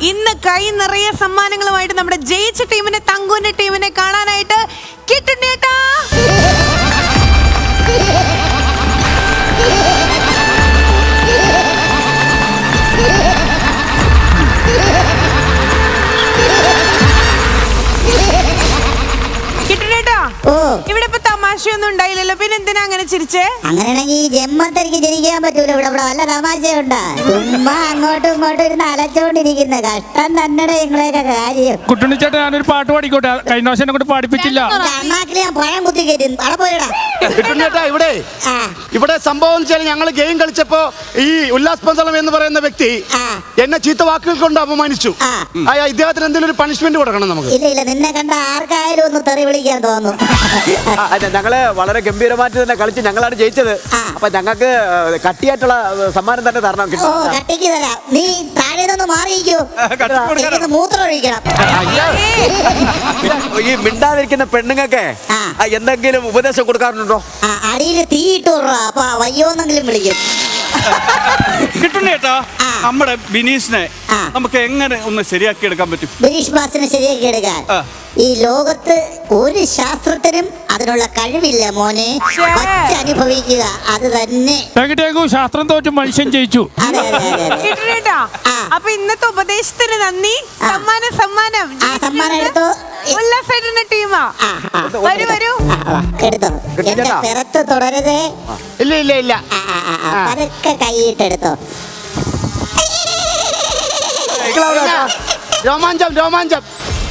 ഇന്ന് കൈ നിറയെ സമ്മാനങ്ങളുമായിട്ട് നമ്മുടെ ജയിച്ച ടീമിനെ തങ്കുവിന്റെ ടീമിനെ കാണാനായിട്ട് കിട്ടുന്നേട്ടാ. ഇവിടെ ഇപ്പൊ തമാശയൊന്നും ഉണ്ടായില്ലല്ലോ, പിന്നെ എന്തിനാ അങ്ങനെ ചിരിച്ചേ? അങ്ങനെയാണെങ്കിൽ ഈ ജന്മത്തിലേക്ക് ജനിക്കാൻ പറ്റൂല. ഇവിടെ വല്ല തമാശയുണ്ടാ? ചുമ്മാ അങ്ങോട്ടും ഇങ്ങോട്ടും ഇരുന്ന് അലച്ചോണ്ടിരിക്കുന്ന കഷ്ടം തന്നെ നിങ്ങളെയൊക്കെ കാര്യം. കുട്ടുണ്ണിച്ചേട്ടാ ഞാനൊരു പാട്ട് പാടിക്കോട്ടെ, കഴിഞ്ഞ വർഷം എന്നെ കൊണ്ട് പാടിപ്പിച്ചില്ല. അണ്ണാക്കിൽ ഞാൻ പഴം കുത്തി കയറ്റി അവിടെ പോയിടാ. ഇവിടെ സംഭവം വെച്ചാൽ ഞങ്ങൾ ഗെയിം കളിച്ചപ്പോ ഈ ഉല്ലാസ് പന്തളം എന്ന് പറയുന്ന വ്യക്തി എന്നെ ചീത്ത വാക്കുകൾ കൊണ്ട് അപമാനിച്ചു. ഇദ്ദേഹത്തിന് എന്തെങ്കിലും ഒരു പണിഷ്മെന്റ് കൊടുക്കണം നമുക്ക്. ഇല്ല നിന്നെ കണ്ട ആർക്കായാലും ഒന്ന് തെറി വിളിക്കാൻ തോന്നും. ഞങ്ങള് വളരെ ഗംഭീരമായിട്ട് തന്നെ കളിച്ച് ഞങ്ങളാണ് ജയിച്ചത്. അപ്പൊ ഞങ്ങൾക്ക് കട്ടിയായിട്ടുള്ള സമ്മാനം തന്നെ തരണം. കട്ടിക്ക് തരാം. നീ താഴെ നിന്ന് മാറിയിരിക്കൂ. മൂത്രം ഒഴിക്കണം. ഈ മിണ്ടാതിരിക്കുന്ന പെണ്ണുങ്ങൾക്ക് എന്തെങ്കിലും ഉപദേശം കൊടുക്കാറുണ്ടോ? അടിയിൽ തീയിട്ടു അപ്പൊ വയ്യോന്നെങ്കിലും വിളിക്കും. കിട്ടുന്നേട്ടാ നമ്മുടെ ബിനീഷിനെ നമുക്ക് എങ്ങനെ ഒന്ന് ശരിയാക്കി എടുക്കാൻ പറ്റും? ബിനീഷ് ബാസിനെ ശരിയാക്കി എടുക്കാൻ ഈ ലോകത്ത് ഒരു ശാസ്ത്രത്തിനും അതിനുള്ള കഴിവില്ല മോനെ. അനുഭവിക്കുക അത് തന്നെ. ശാസ്ത്രം തോറ്റു മനുഷ്യൻ ജയിച്ചു. അപ്പൊ ഇന്നത്തെ ഉപദേശത്തിന് നന്ദി. സമ്മാനം എടുത്തോ. ഉല്ലാസേട്ടന്റെ ടീമാ. വരൂ വരൂ. എടുത്തോ. എന്റെ പിറത്ത് തുടരുതേ. ഇല്ല പതുക്കെ കൈയിട്ടെടുത്തോ. രോമാഞ്ചം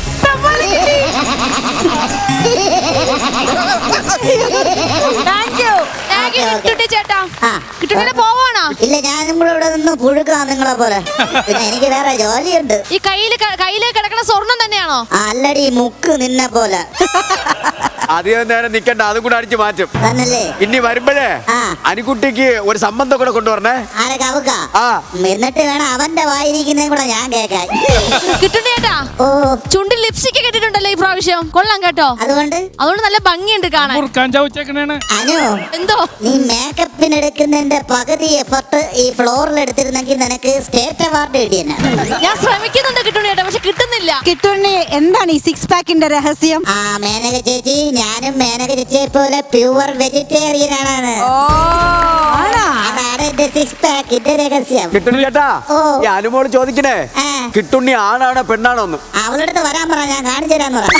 ഇല്ല ഞാനും കൂടെ ഇവിടെ നിന്ന് പുഴുക്കാം നിങ്ങളെ പോലെ. പിന്നെ എനിക്ക് വേറെ ജോലിയുണ്ട്. ഈ കയ്യില് കിടക്കുന്ന സ്വർണം തന്നെയാണോ? അല്ലടി മുക്ക് നിന്നെ പോലെ. അധികം നേരം നിക്കണ്ട, അതും കൂടെ അടിച്ചു മാറ്റും. തന്നല്ലേ ഇനി വരുമ്പോഴേ അനിക്കുട്ടിക്ക് ഒരു സംബന്ധം കൂടെ കൊണ്ടുവരണേ. ആരെ കവുക്ക? എന്നിട്ട് വേണം അവന്റെ വായിരിക്കുന്നേ കൂടെ ഞാൻ കേൾക്കാൻ. കിട്ടുന്നേട്ടാ ചുണ്ടിൽ ലിപ്സ്റ്റിക് കെട്ടിട്ടുണ്ടല്ലോ ഈ പ്രാവശ്യം. കൊള്ളാം കേട്ടോ. അതുകൊണ്ട് നല്ല ഭംഗിയുണ്ട് കാണാൻ. അനു എന്തോ നീ മേക്കപ്പിന് എടുക്കുന്നതിന്റെ പകുതി എഫർട്ട് ഈ ഫ്ലോറിൽ എടുത്തിരുന്നെങ്കിൽ നിനക്ക് സ്റ്റേറ്റ് അവാർഡ് കിട്ടിയെന്നെ. ഞാൻ ശ്രമിക്കുന്നുണ്ട് കിട്ടുന്നേട്ടാ, പക്ഷെ കിട്ടുന്നില്ല. കിട്ടുണ്ണി എന്താണ് ഈ സിക്സ് പാക്കിന്റെ രഹസ്യം? മേനക ചേച്ചി, ഞാനും മേനക ചേച്ചിയെ പോലെ പ്യൂർ വെജിറ്റേറിയൻ ആണ്. അതാണ് എന്റെ സിക്സ് പാക്കിന്റെ രഹസ്യം. കിട്ടുണ്ണി ചേട്ടാ, ഈ അനുമോള് ചോദിക്കണേ കിട്ടുണ്ണി ആണാണോ പെണ്ണാണോ ഒന്ന്? അവളുടെ അടുത്ത് വരാൻ പറ, ഞാൻ കാണിച്ചു തരാൻ പറ.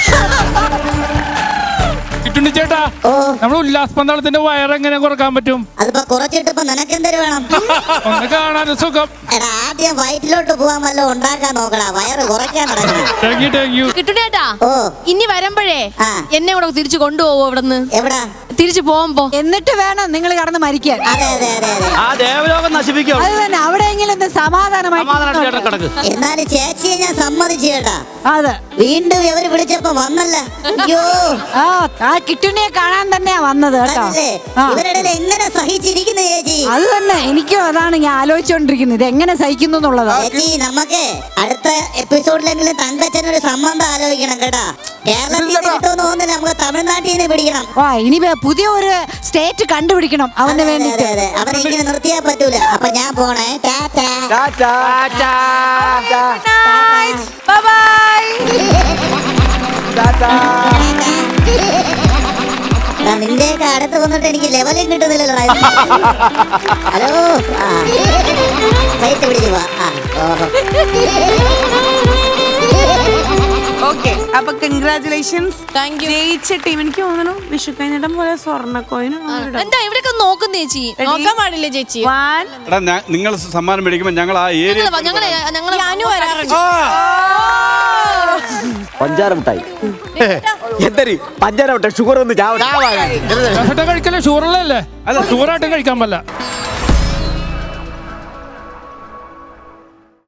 ചേട്ടാ നമ്മൾ ഉല്ലാസ് പന്തളത്തിന്റെ വയറെങ്ങനെ കുറക്കാൻ പറ്റും? അതിപ്പോ കുറച്ചിട്ടിപ്പോ നിനക്കെന്തൊരു വേണം? ഒന്ന് കാണാനും സുഖം. ആദ്യം വയറ്റിലോട്ട് പോവാൻ വല്ല ഉണ്ടാക്കാൻ നോക്കടാ, വയറ് കുറയ്ക്കാൻ നടക്കണം. കിട്ടുന്നേട്ടാ ഇനി വരുമ്പോഴേ എന്നെ കൂടെ തിരിച്ചു കൊണ്ടുപോവോ ഇവിടുന്ന്? എവിടാ? തിരിച്ചു പോകുമ്പോ. എന്നിട്ട് വേണം നിങ്ങൾ കടന്ന് മരിക്കാൻ. അതെ ആ ദേവലോകം നശിപ്പിക്കും. അത് തന്നെ, അവിടെയെങ്കിലും സമാധാനമായി. എന്നാലും ചേച്ചിയെ ഞാൻ സമ്മതിച്ചു കേട്ടാ. അതെ, വീണ്ടും ഇവര് വിളിച്ചപ്പോ വന്നല്ല. അയ്യോ ആ കിട്ടുണ്ണിയെ കാണാൻ തന്നെയാ വന്നത് കേട്ടോ. ഇവരുടെ എങ്ങനെ സഹിച്ചിരിക്കുന്നു ചേച്ചി? അത് തന്നെ എനിക്കും അതാണ് ഞാൻ ആലോചിച്ചോണ്ടിരിക്കുന്നത്, ഇത് എങ്ങനെ സഹിക്കുന്നു എന്നുള്ളത്. ചേച്ചി നമുക്ക് അടുത്ത എപ്പിസോഡിലെങ്കിലും തങ്കച്ചനൊരു സംബന്ധം ആലോചിക്കണം കേട്ടാ. കേരളത്തിൽ കിട്ടുമെന്ന് തോന്നുന്നില്ല, നമുക്ക് തമിഴ്നാട്ടിൽ നിന്ന് പിടിക്കണം. ഇനി പുതിയ ഒരു സ്റ്റേറ്റ് കണ്ടുപിടിക്കണം അവന് വേണ്ടി. അവനെ ഇങ്ങനെ നിർത്തിയാ പറ്റൂല. അപ്പൊ ഞാൻ പോണേ. നിന്റെയൊക്കെ അടുത്ത് വന്നിട്ട് എനിക്ക് ലെവലും കിട്ടുന്നില്ലല്ലോ. ഹലോ സൈറ്റ് പിടിച്ചു പോവാ. ഓക്കെ, അപ്പൊ കൺഗ്രാറ്റുലേഷൻസ്. ജയിച്ച ടീം. എനിക്ക് തോന്നുന്നു വിഷു കഴിഞ്ഞിടം പോലെ സ്വർണ്ണക്കോയിന്. എന്താ ഇവിടെയൊക്കെ നോക്കുന്ന ചേച്ചി? നോക്കാൻ പാടില്ലേ ചേച്ചി? നിങ്ങൾ സമ്മാനം മേടിക്കുമ്പോ ഞങ്ങൾ ആ ഏരിയ പഞ്ചാര മിഠായി. എന്തൊരു പഞ്ചാര മിഠായി? ഷുഗർ ഒന്ന് കഴിക്കല്ലേ? ഷുഗറല്ലേ? അല്ല ഷുഗറായിട്ടും കഴിക്കാൻ പറ്റില്ല.